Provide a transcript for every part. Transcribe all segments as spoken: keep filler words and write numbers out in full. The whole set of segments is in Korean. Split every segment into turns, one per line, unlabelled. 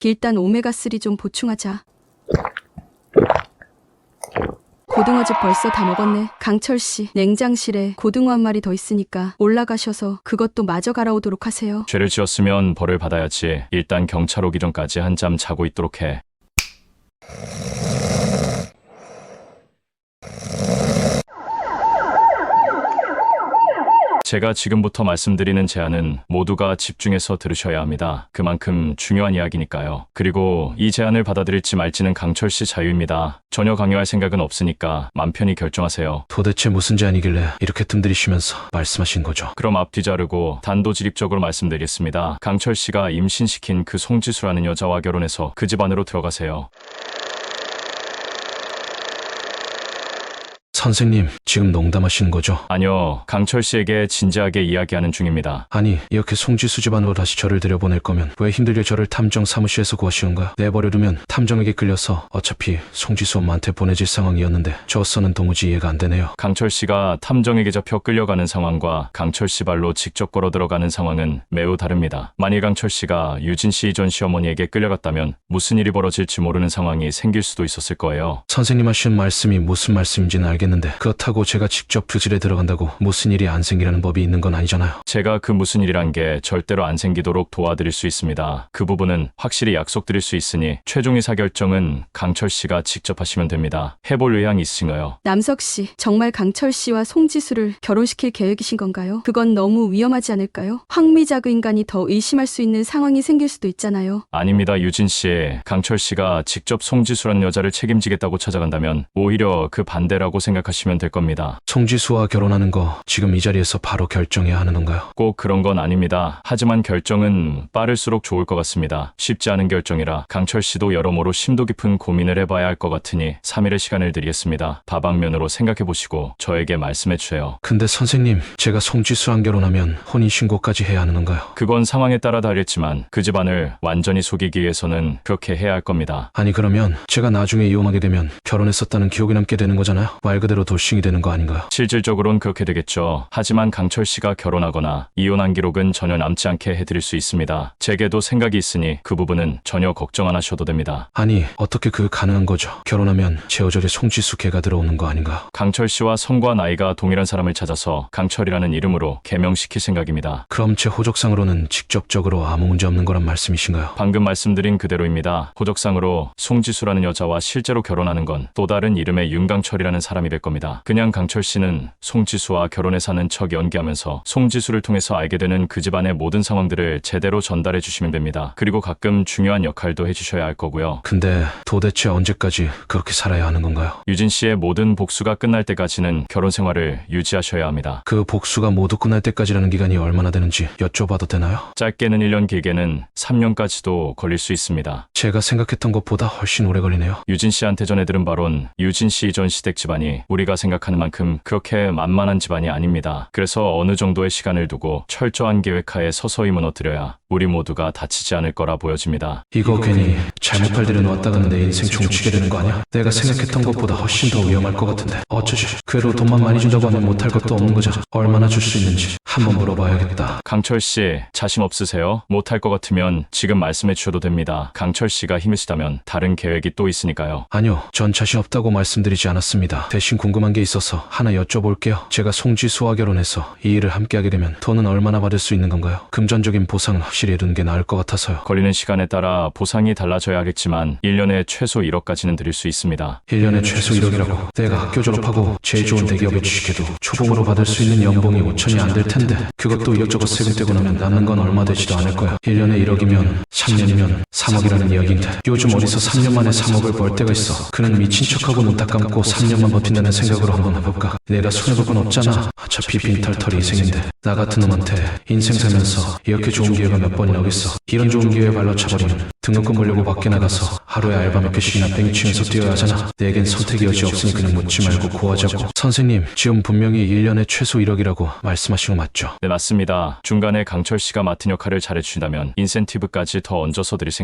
일단 오메가삼 좀 보충하자. 고등어즙 벌써 다 먹었네. 강철씨, 냉장실에 고등어 한 마리 더 있으니까 올라가셔서 그것도 마저 갈아오도록 하세요.
죄를 지었으면 벌을 받아야지. 일단 경찰 오기 전까지 한잠 자고 있도록 해. 제가 지금부터 말씀드리는 제안은 모두가 집중해서 들으셔야 합니다. 그만큼 중요한 이야기니까요. 그리고 이 제안을 받아들일지 말지는 강철씨 자유입니다. 전혀 강요할 생각은 없으니까 맘 편히 결정하세요.
도대체 무슨 제안이길래 이렇게 뜸들이시면서 말씀하신 거죠?
그럼 앞뒤 자르고 단도직입적으로 말씀드리겠습니다. 강철씨가 임신시킨 그 송지수라는 여자와 결혼해서 그 집안으로 들어가세요.
선생님, 지금 농담하시는 거죠?
아니요, 강철씨에게 진지하게 이야기하는 중입니다.
아니, 이렇게 송지수 집안으로 다시 저를 들여보낼 거면 왜 힘들게 저를 탐정 사무실에서 구하시는가? 내버려두면 탐정에게 끌려서 어차피 송지수 엄마한테 보내질 상황이었는데 저로서는 도무지 이해가 안 되네요.
강철씨가 탐정에게 잡혀 끌려가는 상황과 강철씨 발로 직접 걸어 들어가는 상황은 매우 다릅니다. 만일 강철씨가 유진씨 전 시어머니에게 끌려갔다면 무슨 일이 벌어질지 모르는 상황이 생길 수도 있었을 거예요.
선생님 하신 말씀이 무슨 말씀인지는 알겠는데 그렇다고 제가 직접 그 집에 들어간다고 무슨 일이 안 생기라는 법이 있는 건 아니잖아요.
제가 그 무슨 일이란 게 절대로 안 생기도록 도와드릴 수 있습니다. 그 부분은 확실히 약속드릴 수 있으니 최종 의사결정은 강철씨가 직접 하시면 됩니다. 해볼 의향이 있으신가요?
남석씨, 정말 강철씨와 송지수를 결혼시킬 계획이신 건가요? 그건 너무 위험하지 않을까요? 황미자 그 인간이 더 의심할 수 있는 상황이 생길 수도 있잖아요.
아닙니다, 유진씨. 강철씨가 직접 송지수라는 여자를 책임지겠다고 찾아간다면 오히려 그 반대라고 생각하시면 될 겁니다.
송지수와 결혼하는 거 지금 이 자리에서 바로 결정해야 하는 건가요?
꼭 그런 건 아닙니다. 하지만 결정은 빠를수록 좋을 것 같습니다. 쉽지 않은 결정이라 강철씨도 여러모로 심도 깊은 고민을 해봐야 할 것 같으니 삼 일의 시간을 드리겠습니다. 다방면으로 생각해보시고 저에게 말씀해주세요.
근데 선생님, 제가 송지수랑 결혼하면 혼인신고까지 해야 하는 건가요?
그건 상황에 따라 다르겠지만 그 집안을 완전히 속이기 위해서는 그렇게 해야 할 겁니다.
아니 그러면 제가 나중에 이혼하게 되면 결혼했었다는 기억이 남게 되는 거잖아요? 말 그대로 돌싱이 되는 거 아닌가요?
실질적으로는 그렇게 되겠죠. 하지만 강철씨가 결혼하거나 이혼한 기록은 전혀 남지 않게 해드릴 수 있습니다. 제게도 생각이 있으니 그 부분은 전혀 걱정 안 하셔도 됩니다.
아니 어떻게 그 가능한 거죠? 결혼하면 제 어절에 송지수 개가 들어오는 거 아닌가?
강철씨와 성과 나이가 동일한 사람을 찾아서 강철이라는 이름으로 개명시킬 생각입니다.
그럼 제 호적상으로는 직접적으로 아무 문제 없는 거란 말씀이신가요?
방금 말씀드린 그대로입니다. 호적상으로 송지수라는 여자와 실제로 결혼하는 건 또 다른 이름의 윤강철이라는 사람이 될 겁니다. 그냥 강철씨는 송지수와 결혼해 사는 척 연기하면서 송지수를 통해서 알게 되는 그 집안의 모든 상황들을 제대로 전달해 주시면 됩니다. 그리고 가끔 중요한 역할도 해주셔야 할 거고요.
근데 도대체 언제까지 그렇게 살아야 하는 건가요?
유진씨의 모든 복수가 끝날 때까지는 결혼 생활을 유지하셔야 합니다.
그 복수가 모두 끝날 때까지라는 기간이 얼마나 되는지 여쭤봐도 되나요?
짧게는 일 년, 길게는 삼 년까지도 걸릴 수 있습니다.
제가 생각했던 것보다 훨씬 오래 걸리네요.
유진씨한테 전해 들은 바론 유진씨 전 시댁 집안이 우리가 생각하는 만큼 그렇게 만만한 집안이 아닙니다. 그래서 어느 정도의 시간을 두고 철저한 계획하에 서서히 무너뜨려야 우리 모두가 다치지 않을 거라 보여집니다.
이거 괜히 잘못 팔들여 놓았다가는 내 인생 종치게 되는 거 아니야? 내가 생각했던 것보다 훨씬 더 위험할 것 같은데 어쩌지? 그래도 돈만 많이 준다고 하면 못할 것도 없는 거잖아. 얼마나 줄 수 있는지 한번 물어봐야겠다.
강철씨, 자신 없으세요? 못할 것 같으면 지금 말씀해 주셔도 됩니다. 강철씨가 힘이시다면 다른 계획이 또 있으니까요.
아니요, 전 자신 없다고 말씀드리지 않았습니다. 대신 궁금한 게 있어서 하나 여쭤볼게요. 제가 송지수와 결혼해서 이 일을 함께하게 되면 돈은 얼마나 받을 수 있는 건가요? 금전적인 보상은 확실히 해두는 게 나을 것 같아서요.
걸리는 시간에 따라 보상이 달라져야 하겠지만 일 년에 최소 일억까지는 드릴 수 있습니다.
일 년에 최소 일억이라고? 내가 학교 졸업하고 제일 좋은 대기업에 취직해도 초봉으로 받을 수 있는 연봉이 오천이 안 될 텐데 그것도 이것저것 세금 떼고 나면 남는 건 얼마 되지도 않을 거야. 일 년에 일억이면 삼 년이면 삼억이라는 이야기인데 요즘 어디서 삼 년 만에 삼억을 벌 때가 있어. 그는 미친 척하고 눈 딱 감고 삼 년만 버틴다는 생각으로 한번 해볼까? 내가 손해볼 건 없잖아. 어차피 빈털털이 인생인데 나 같은 놈한테 인생 살면서 이렇게 좋은 기회가 몇 번이나 오겠어. 이런 좋은 기회에 발로 차버리면 등록금 벌려고 밖에 나가서 하루에 알바 몇 개씩이나 뺑치면서 뛰어야 하잖아. 내겐 선택의 여지 없으니 그냥 묻지 말고 구하자고. 선생님, 지금 분명히 일 년에 최소 일억이라고 말씀하신 거 맞죠?
네, 맞습니다. 중간에 강철씨가 맡은 역할을 잘해주신다면 인센티브까지 더 얹어서 드릴 생각입니다.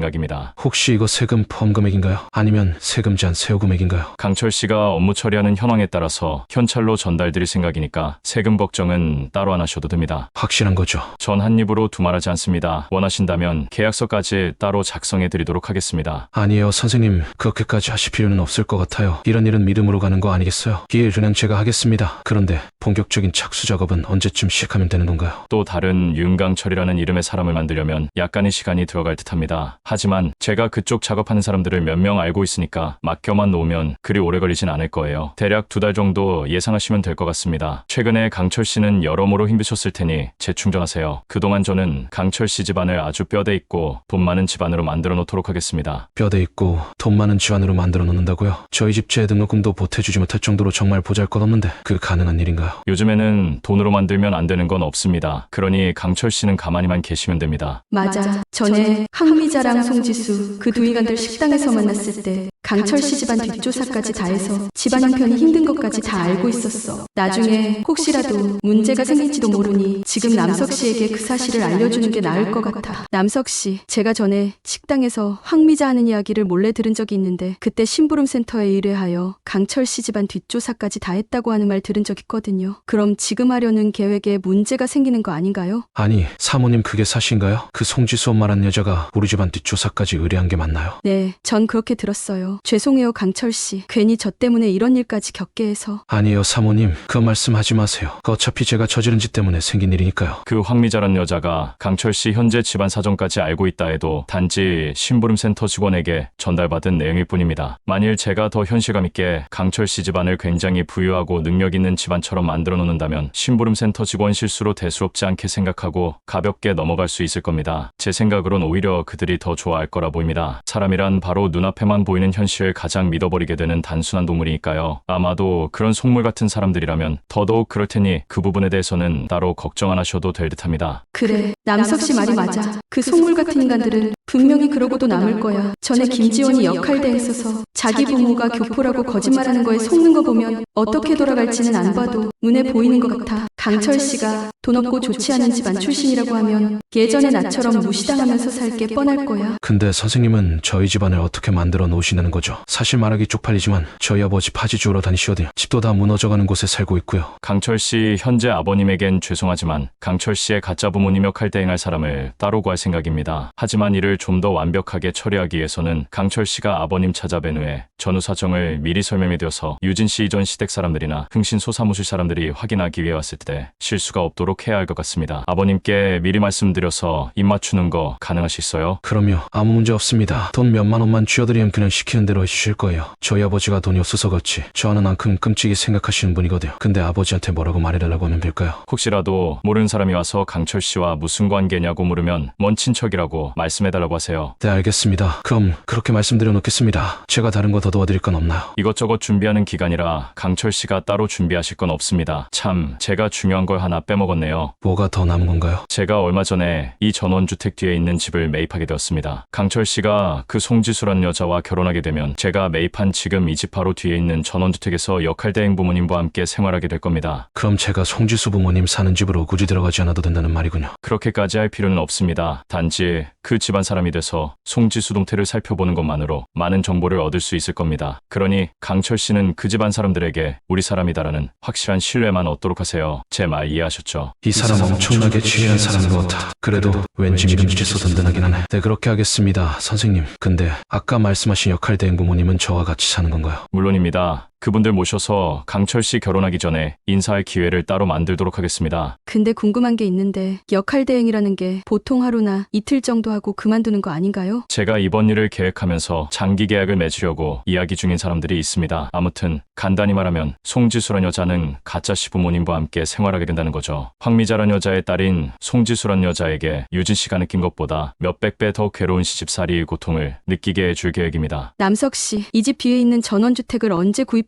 생각입니다.
혹시 이거 세금 포함 금액인가요? 아니면 세금 제한 세후 금액인가요?
강철 씨가 업무 처리하는 현황에 따라서 현찰로 전달드릴 생각이니까 세금 걱정은 따로 안 하셔도 됩니다.
확실한 거죠?
전 한 입으로 두말하지 않습니다. 원하신다면 계약서까지 따로 작성해 드리도록 하겠습니다.
아니에요, 선생님. 그렇게까지 하실 필요는 없을 것 같아요. 이런 일은 믿음으로 가는 거 아니겠어요? 예, 그냥 제가 하겠습니다. 그런데 본격적인 착수 작업은 언제쯤 시작하면 되는 건가요?
또 다른 윤강철이라는 이름의 사람을 만들려면 약간의 시간이 들어갈 듯합니다. 하지만 제가 그쪽 작업하는 사람들을 몇 명 알고 있으니까 맡겨만 놓으면 그리 오래 걸리진 않을 거예요. 대략 두 달 정도 예상하시면 될 것 같습니다. 최근에 강철 씨는 여러모로 힘드셨을 테니 재충전하세요. 그동안 저는 강철 씨 집안을 아주 뼈대 있고 돈 많은 집안으로 만들어 놓도록 하겠습니다.
뼈대 있고 돈 많은 집안으로 만들어 놓는다고요? 저희 집 재등록금도 보태주지 못할 정도로 정말 보잘것없는데 그 가능한 일인가요?
요즘에는 돈으로 만들면 안 되는 건 없습니다. 그러니 강철 씨는 가만히만 계시면 됩니다.
맞아. 전에 항미자랑 송지수 그 두 인간들 식당에서 만났을 때 강철 씨 집안 뒷조사까지 다 해서 집안 형편이 힘든 것까지 다 알고 있었어. 나중에 혹시라도 문제가 생길지도 모르니 지금 남석 씨에게 그 사실을 알려주는 게 나을 것 같아. 남석 씨, 제가 전에 식당에서 황미자 하는 이야기를 몰래 들은 적이 있는데 그때 심부름 센터에 의뢰하여 강철 씨 집안 뒷조사까지 다 했다고 하는 말 들은 적 있거든요. 그럼 지금 하려는 계획에 문제가 생기는 거 아닌가요?
아니, 사모님 그게 사실인가요? 그 송지수 엄마란 여자가 우리 집안 뒷조사까지 의뢰한 게 맞나요?
네, 전 그렇게 들었어요. 죄송해요, 강철 씨. 괜히 저 때문에 이런 일까지 겪게 해서.
아니에요, 사모님. 그 말씀하지 마세요. 그 어차피 제가 저지른 짓 때문에 생긴 일이니까요.
그 황미자라는 여자가 강철 씨 현재 집안 사정까지 알고 있다 해도 단지 심부름센터 직원에게 전달받은 내용일 뿐입니다. 만일 제가 더 현실감 있게 강철 씨 집안을 굉장히 부유하고 능력 있는 집안처럼 만들어 놓는다면 심부름센터 직원 실수로 대수롭지 않게 생각하고 가볍게 넘어갈 수 있을 겁니다. 제 생각으론 오히려 그들이 더 좋아할 거라 보입니다. 사람이란 바로 눈앞에만 보이는 현실을 가장 믿어버리게 되는 단순한 동물이니까요. 아마도 그런 속물 같은 사람들이라면 더더욱 그럴 테니 그 부분에 대해서는 따로 걱정 안 하셔도 될 듯합니다.
그래, 남석 씨 말이 맞아. 그 속물 같은 인간들은 분명히 그러고도 남을 거야. 전에 김지원이 역할대에 있어서 자기 부모가 교포라고 거짓말하는 거에 속는 거 보면 어떻게 돌아갈지는 안 봐도 눈에 보이는 것 같아. 강철 씨가 돈 없고 좋지 않은 집안 출신이라고 하면 예전의 나처럼 무시당하면서 살 게 뻔할 거야.
근데 선생님은 저희 집안을 어떻게 만들어 놓으시는 거죠? 사실 말하기 쪽팔리지만 저희 아버지 파지 주우러 다니시거든요. 집도 다 무너져가는 곳에 살고 있고요.
강철 씨 현재 아버님에겐 죄송하지만 강철 씨의 가짜 부모님 역할 대행할 사람을 따로 구할 생각입니다. 하지만 이를 좀 더 완벽하게 처리하기 위해서는 강철 씨가 아버님 찾아뵌 후에 전후 사정을 미리 설명해 드려서 유진 씨 이전 시댁 사람들이나 흥신소 사무실 사람들이 확인하기 위해 왔을 때 실수가 없도록 해야 할 것 같습니다. 아버님께 미리 말씀드려서 입 맞추는 거 가능하시겠어요?
그럼요. 아무 문제 없습니다. 돈 몇만 원만 쥐어드리면 그냥 시키는 대로 해주실 거예요. 저희 아버지가 돈이 없어서 그렇지 저 하는 만큼 끔찍이 생각하시는 분이거든요. 근데 아버지한테 뭐라고 말해달라고 하면 될까요?
혹시라도 모르는 사람이 와서 강철 씨와 무슨 관계냐고 물으면 먼 친척이라고 말씀해달라고 하세요.
네, 알겠습니다. 그럼 그렇게 말씀드려 놓겠습니다. 제가 다른 거 더 도와드릴 건 없나요?
이것저것 준비하는 기간이라 강철 씨가 따로 준비하실 건 없습니다. 참, 제가 중요한 걸 하나 빼먹었네요.
뭐가 더 남은 건가요?
제가 얼마 전에 이 전원주택 뒤에 있는 집을 매입하게 되었습니다. 강철 씨가 그 송지수라는 여자와 결혼하게 되면 제가 매입한 지금 이 집 바로 뒤에 있는 전원주택에서 역할대행 부모님과 함께 생활하게 될 겁니다.
그럼 제가 송지수 부모님 사는 집으로 굳이 들어가지 않아도 된다는 말이군요.
그렇게까지 할 필요는 없습니다. 단지 그 집안 사람이 돼서 송지수 동태를 살펴보는 것만으로 많은 정보를 얻을 수 있을 겁니다. 그러니 강철 씨는 그 집안 사람들에게 우리 사람이다라는 확실한 신뢰만 얻도록 하세요. 제 말 이해하셨죠?
이 사람 엄청나게 지혜한 사람인 것 같아. 그래도 왠지 믿음직해서 든든하긴 하네. 네, 그렇게 하겠습니다, 선생님. 근데 아까 말씀하신 역할대행 부모님은 저와 같이 사는 건가요?
물론입니다. 그분들 모셔서 강철 씨 결혼하기 전에 인사할 기회를 따로 만들도록 하겠습니다.
근데 궁금한 게 있는데 역할 대행이라는 게 보통 하루나 이틀 정도 하고 그만두는 거 아닌가요?
제가 이번 일을 계획하면서 장기 계약을 맺으려고 이야기 중인 사람들이 있습니다. 아무튼 간단히 말하면 송지수란 여자는 가짜 시부모님과 함께 생활하게 된다는 거죠. 황미자란 여자의 딸인 송지수란 여자에게 유진 씨가 느낀 것보다 몇백 배 더 괴로운 시집살이의 고통을 느끼게 해줄 계획입니다.
남석 씨, 이 집 뒤에 있는 전원주택을 언제 구입할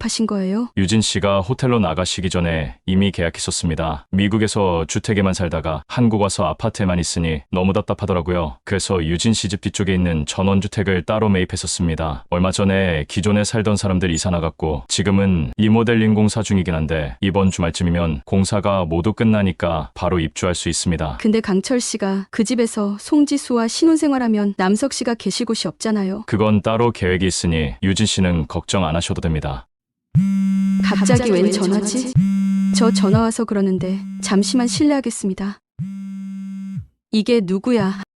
계약하신 거예요?
유진 씨가 호텔로 나가시기 전에 이미 계약했었습니다. 미국에서 주택에만 살다가 한국 와서 아파트에만 있으니 너무 답답하더라고요. 그래서 유진 씨 집 뒤쪽에 있는 전원주택을 따로 매입했었습니다. 얼마 전에 기존에 살던 사람들 이사 나갔고 지금은 리모델링 공사 중이긴 한데 이번 주말쯤이면 공사가 모두 끝나니까 바로 입주할 수 있습니다.
근데 강철 씨가 그 집에서 송지수와 신혼생활하면 남석 씨가 계실 곳이 없잖아요.
그건 따로 계획이 있으니 유진 씨는 걱정 안 하셔도 됩니다.
갑자기 웬 전화지? 저 전화 와서 그러는데 잠시만 실례하겠습니다. 이게 누구야?